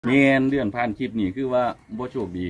เนียนเลื่อนผ่านคลิปนี่คือว่าบ่โชคดี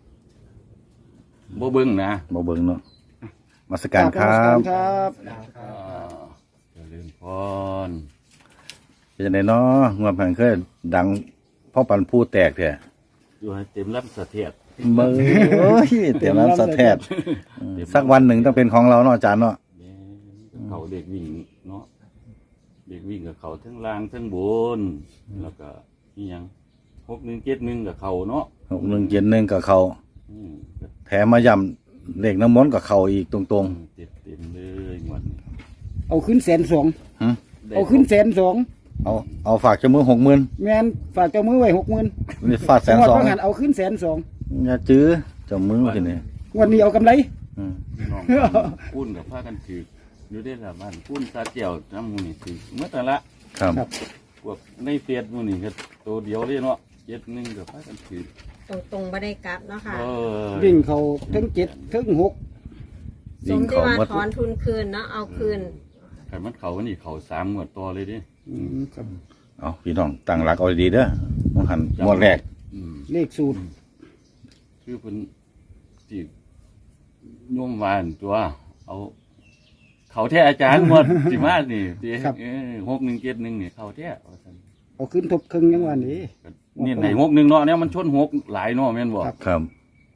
บ่เบิ่งนะบ่เบิ่งเนาะมาสการครับอ่าเจริญพรเป็นจังไดเนาะงวดผ่านเคยดังพ่อปันผู้แตกแท้อยู่ให้เต็มลำสะเทียดเบิ่งโอ้ยเต็มน้ำสะแทดสักวันหนึ่งต้องเป็นของเราเนาะอาจารย์เนาะแม่นเขาเด็กวิ่งเนาะเด็กวิ่งกับเขาทั้งล่างทั้งบนแล้วก็นี่ยัง6171กับเขาเนาะ 6171กับเขาอืมก็แถมมาย่ำเลขน้ำมนต์กับเขาอีกตรงเต็มเลยงวดนี้เอาขึ้น120,000 ๆหึได้เอาขึ้น120,000 เอาฝากเจ้ามือ60,000 แม่นฝากเจ้ามือไว้60,000 นี่ฟาดงวด 120,000 ว่าหันเอาขึ้น120,000 อย่าจื้อเจ้ามือทีนี้งวดนี้เอากำไรอืมน้องปุ้นกับผ้ากันถืออยู่ได้ละบ้านปุ้นซาเจียวน้ำมูนี่ถือเมื่อแต่ละครับครับพวกในเตียดมูนี่ก็ตัวเดียวเลยเนาะ71กับผ้ากันถือตรงๆบ่ได้กลับเนาะค่ะวิ่งเขาถึง7ถึง6 สมที่ว่าถอนทุนคืนเนาะเอาคืนขันมันเขานี่เขา3งวดต่อเลยดิครับเอาพี่น้องตั้งหลักเอาดีๆเด้อมองหันงวดแรกอืมเลขสูตรคือเป็นที่โยมวานตัว เอา เขาแท้อาจารย์หมด สิมานี่ตี6171นี่เขาแท้ว่าซั่นเอาขึ้นทบครึ่งยังวันนี้ก็นี่ไหน61เนาะเนี่ยมันชน6หลายเนาะแม่นบ่ครับครับ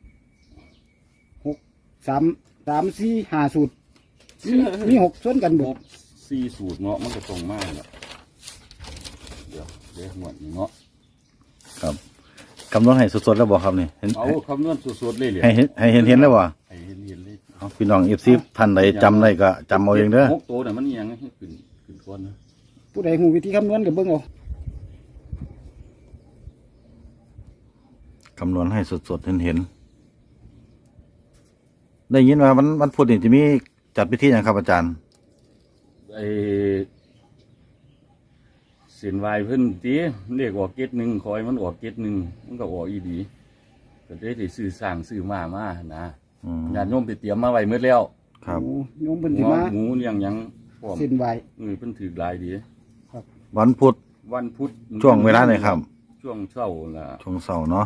3 4 5สูตรมี6ส่วนกันบ่ 4สูตรเนาะมันก็ตรงมากแล้วเดี๋ยวหมดนี่เนาะครับคำนวณให้สดๆแล้วบ่ครับนี่เห็นเอาคำนวณสดๆเลยเหรอให้เห็นแล้วบ่ให้เห็นเลยเอาพี่น้องFC ท่านใดจำได้ก็จำเอาเองเด้อหกตัวน่ะมันยังให้ขึ้นก้อนนะผู้ใดฮู้วิธีคำนวณก็เบิ่งเอาคำนวณให้สดๆเห็นได้ยินว่าวันพุธนี่จะมีจัดพิธีหยังครับอาจารย์ไอ้เส้นวายเพิ่นตีเรียกออก71คอยมันออก71มันก็ออกอีดีก็ได้ซื้อสร้างซื้อมานะอืมญาติโยมไปเตรียมมาไว้หมดแล้วครับโอ้โยมเพิ่นสิหัวมาหมูเลี้ยงหยังพร้อมเส้นไหวเพิ่นถือหลายดีวันพุธวันพุธช่วงเวลาไหนครับช่วงเช้าล่ะช่วงเสาร์เนาะ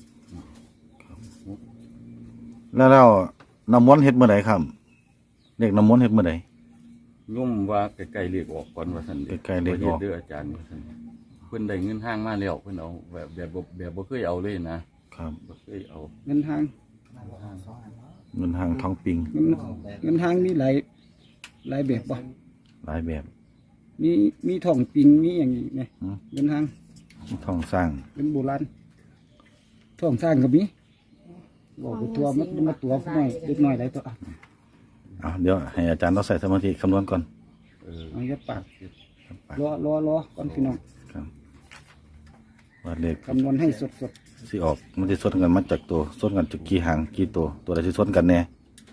แล้วน้ำมนต์เฮ็ดเมื่อไหร่ครับเด็กน้ำมนต์เฮ็ดเมื่อไหร่โยมว่าใกล้ๆเลขออกก่อนว่าซั่นใกล้ๆเลขออกเด้ออาจารย์ว่าซั่นเพิ่นได้เงินห้างมาแล้วเพิ่นเอาแบบบ่เคยเอาเลยนะครับ บ่เคยเอาเงินทางเงินทางท้องปิงเงินทางมีหลายแบบบ่หลายแบบมีท่องปิงมีอย่างนี้ไหมอืมเงินทางท้องสร้างเป็นโบราณท่องสร้างก็มีบอกไปตัวมันมาตัวผู้น้อยเล็กน้อยหลายตัวอ่ะเอาเดี๋ยวให้อาจารย์ต้องใส่สมาธิคำนวณก่อนเอายัดปากรอก่อนพี่น้องครับว่าเลขคำนวณให้สดสิออกมันจะสดกันมาจากตัวสดกันจากกี่หางกี่ตัวใดที่สดกันแน่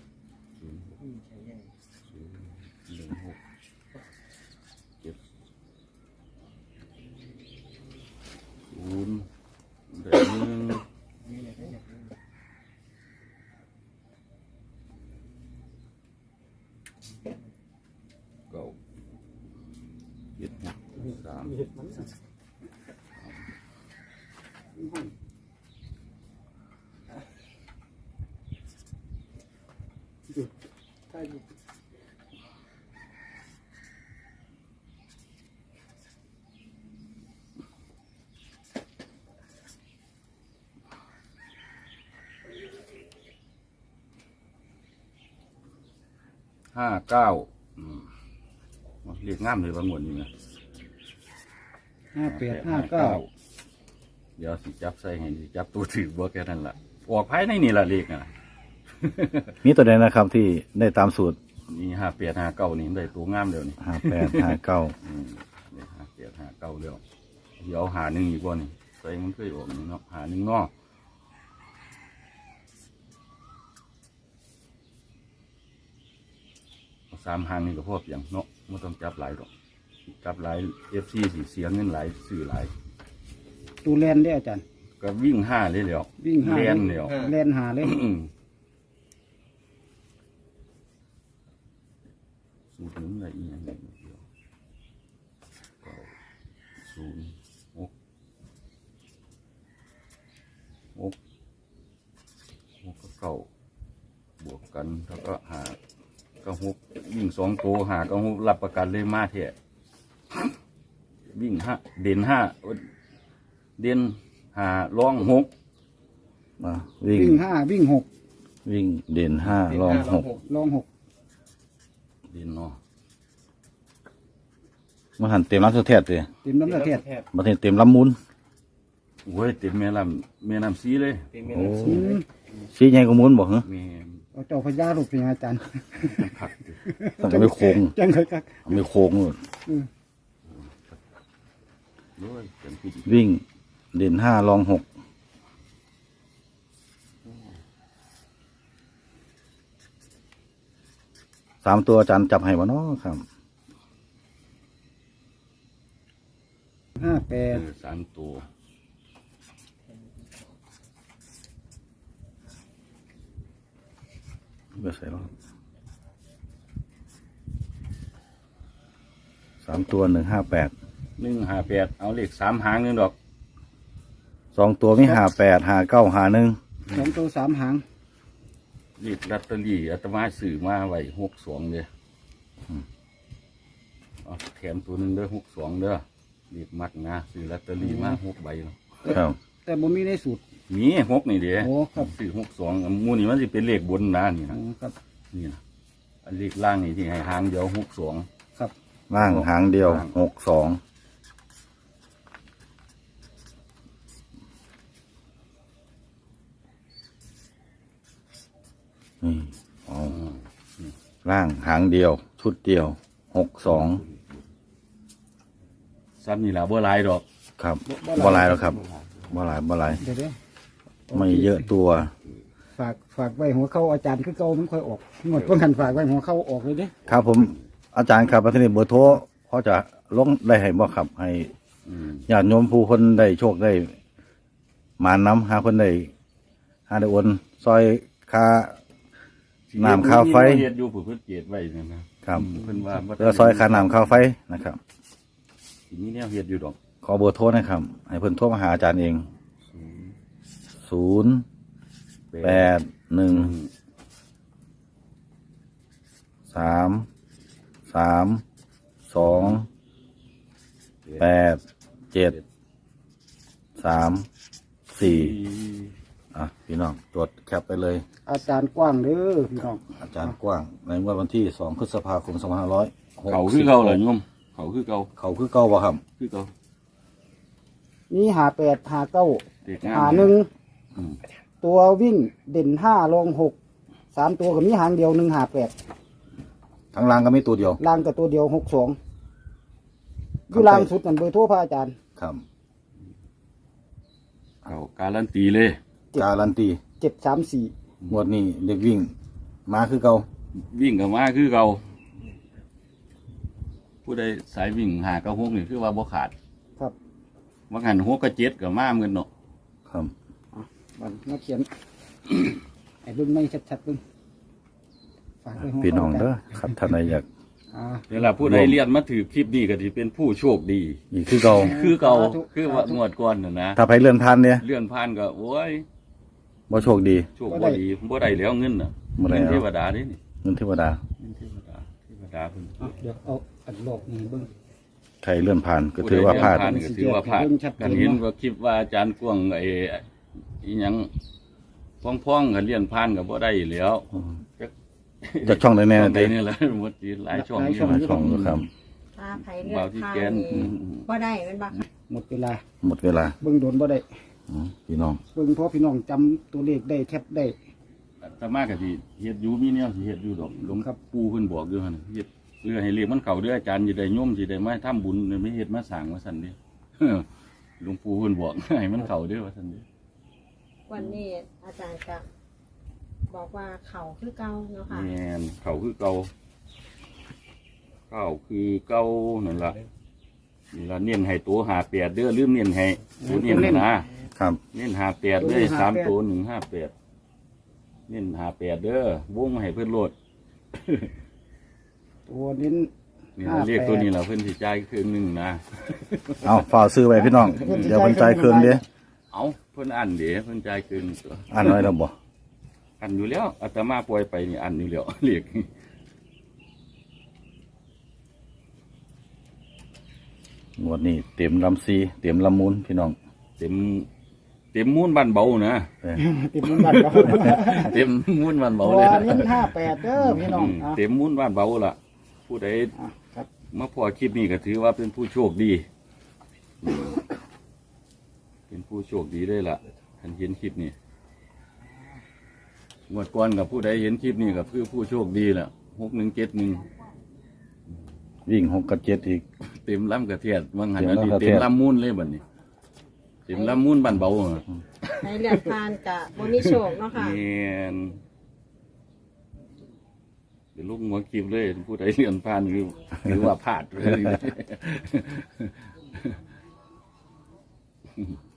ศูนย์แบบหนึ่งเก้าเจ็ดสามห้าเก้าเรียกง่ามเลยบางวันนี้นะๆ58 59 เดี๋ยวสิจับใส่ให้สิจับตัวถือบ่แค่นั้นล่ะออกภายในนี่ล่ะเลขน่ะมีตัวใดนะครับที่ได้ตามสูตรนี่5859นี่ได้ตัวงามแล้วนี่ 5859 ได้5859แล้วเดี๋ยวหาหนึ่งอีกบ่นี่ใส่มันเคยออกนี่เนาะหาหนึ่งเนาะเอาสามหางนี่ก็พอเพียงเนาะไม่ต้องจับหลายหรอกจับหลาย FC สิเสียเงินหลายซื้อหลายตูแลนได้อาจารย์ก็วิ่งห้าเลยแล้ววิ่งหาเรียนแล้วแลนหาเลยสูตรหนึ่งอะไรอีกอย่างหนึ่งเดียวเก้าศูนย์หกหกก็เก้าบวกกันแล้วก็หาก็หกวิ่งสองตัวหาก็หกรับประกันเลยมาเถอะวิ่งห้าเด่นห้าเด่นหาล่องหกอ่ะวิ่งวิ่งห้าวิ่งหกวิ่งเด่นห้ารองหกลองหกเด่นเนาะมาหันเต็มลำสุดแท้เลยเต็มน้ำตาเทียดมาเต็มลำมุนโอ้ยเต็มแม่น้ำซีเลยโอ้ชี้ใหญ่กว่ามุนบอกเหรอแม่เอาเจ้าพญาลูกเป็นอาจารย์ผักดิต้องไปโค้งจังเลยครับเอาไปโค้งนู่นด้วยเป็นผู้หญิงวิ่งเด่นห้ารองหกสามตัวอาจารย์จับให้บ่เนาะครับ 58 สามตัวเบอร์ใส่แล้วสามตัว158 158เอาเลข3หางนึงดอกสองตัวมี58 59 51 สองตัวสามหางเลขลอตเตอรี่อาตมาซื้อมาไว้62เลยเอาแถมตัวหนึงเด้อ62เด้อเลขมักนะซื้อลอตเตอรี่มา6ใบเนาะครับแต่บ่มีในสูตรมี6นี่เด้โอ้ครับซื้อ62หมู่นี่มันสิเป็นเลขบนนะนี่อ๋นะอครับนี่นะอันเลขล่างนี่ที่ให้หางเดียว62 ครับล่างหางเดียว62นี่เอาล่างหางเดียว ชุดเดียว62 ซ้ำนี่ล่ะบ่หลายดอกครับบ่หลายแล้วครับบ่หลายเดี๋ยวไม่เยอะตัวฝากไว้หัวเข้าอาจารย์คือเก่ามันค่อยออกงวดเพิ่งหันฝากไว้หัวเข้าออกเลยเด้ครับผมอาจารย์ครับทีนี้เบอร์โทรพอจะลงได้ให้บ่ครับให้อืมญาติโยมผู้คนได้โชคได้มาน้ำหาคนได้หาได้โอนซอยค่า น้ำค่าไฟเฮ็ดอยู่ผู้เพิ่นเจ็ดไว้นั่นนะครับ เพิ่นว่าบ่เพื่อซอยค่าน้ำค่าไฟนะครับสิมีแนวเฮ็ดอยู่ดอกขอเบอร์โทรนะครับ ให้เพิ่นโทรมาหาอาจารย์เอง 081-332-8734พี่น้องตรวจแคปไปเลยอาจารย์กว้างเด้อพี่น้องอาจารย์กว้างในงวดวันที่2พฤษภาคม2500 เขาคือเก่าเหรอโยมเขาคือเก่าเขาคือเก่าบ่ครับคือเก่านี่58 59 เด็กงาม 51 อืมตัววิ่งเด่น5ลง6 3ตัวก็มีหางเดียว158 ทั้งล่างก็มีตัวเดียวล่างกับตัวเดียว62อยู่ล่างสุดนั่นเบอร์โทรพระอาจารย์ครับเขาการันตีเลยการันตี 734 งวดนี้เด็กวิ่งมาคือเก่าวิ่งกับมาคือเก่าผู้ใดสายวิ่งหากับฮกนี่คือว่าบ่ขาดครับว่าหันฮกกับเจ็ดกับมาเหมือนกันเนาะครับมันมาเขียน ไอ้เบิ่งไม่ชัดๆเบิ่งฝากไว้หัวพี่น้องข้าเด้อครับท่านใดอยากอ่าเวลาผู้ใดเรียนมาถือคลิปนี้ก็สิเป็นผู้โชคดีอีกคือเก่าคือเก่าสาธุคือว่างวดก่อนน่ะนะถ้าไปเลื่อนพันเนี่ยเลื่อนผ่านก็โอ้ยบ่โชคดีโชคบ่ดีบ่ได้แล้วเงินน่ะบ่ได้เงินแล้วเทวดาเด้นี่เงินเทวดาเงินเทวดาเพิ่นเอาเดี๋ยวเอาอันหลอกนี่เบิ่งใครเลื่อนผ่านก็ถือว่าพลาดผู้ใเลื่อนผ่นก็ถือว่าพลาดเบิ่งชัดเจนกันเห็นว่าคลิปว่าอาจารย์กวางไอ้อีหยังพ้องๆกันเลี่ยนผ่านก็บ่ได้แล้วจากช่องใดแน่ช่องใดเด้นี่แหละหมดทีหลายช่องหลายนี่ช่องหลายช่องอยู่ครับถ้าไผเลือเบาดที่ทางแกนนี่บ่ได้แม่นบ่คะหมดเวลาหมดเวลาเบิ่งโดนบ่ได้พี่น้องเบิ่งเพราะพี่น้องจำตัวเลขได้แคปได้แต่มากก็สิเฮ็ดอยู่มีแนวสิเฮ็ดอยู่ดอกหลวงครับปู่เพิ่นบอกอยู่หั่นเฮ็ดเรือให้เรียกมันเข้าเด้ออาจารย์สิได้โยมสิได้มาทำบุญไม่เฮ็ดมาสร้างว่าซั่นเด้ หลวงปู่เพิ่นบอก ให้มันเข้าเด้อว่าซั่นเด้วันนี้อาจารย์ก็บอกว่าเขาคือเก่าเนาะค่ะแม่นเข้าคือเก่าเข้าคือเก่านั่นล่ะนี่ล่ะเน้นให้ตัว58เด้อลืมเน้นให้ตัวเน้นน่ะนะครับ เน้น58เด้อ3ตัว158เน้น58เด้อวงให้เพิ่นโลดตัวเน้นนี่เราเรียกตัวนี้เราเพิ่นสิจ่ายครึ่งหนึงนะเอาฝ่ากซื้อไว้พี่น้อง เดี๋ยวเพิ่นจ่ายเครื่องเด้เเอาเพิ่นอันเดี๋ยวเพิ่นจ่ายเกินตัวอ่านน้อยแล้วบ่อันอยู่แล้วอาตมาปล่อยไปนี่อันอยู่แล้ว เรียกงวดนี้เต็มลำซีเต็มลำมูลพี่น้องเต็มมูนบ้านเบานะเออติดมันบัตรเราเต็มมูนบ้านเบาตัเลวยนะเน้น58เด้อพี่น้องอ่ะเต็มมูนบ้านเบาล่ะ ผู้ใดครับมาพอคลิปนี้ก็ถือว่าเป็นผู้โชคดีเป็นผู้โชคดีได้ล่ะท่านเห็นคลิปนี้งวดก่อนกับผู้ใดเห็นคลิปนี้ก็คือผู้โชคดีแหละ6171 วิ่ง6กับ7อีกเต็มลำกระเทียดบางหันเต็อันมนี้ลำกระเทีเต็ยมดลำมูนเลยบัดนี้เต็มลำมูนบ้านเบาอะให้เลือกทานกะบ่มีโชคเนาะค่ะเนียนเดี๋ยวลูกหัวคลิปเลยผู้ใดเลื่อนผ่านหรือว่าพลาดเลย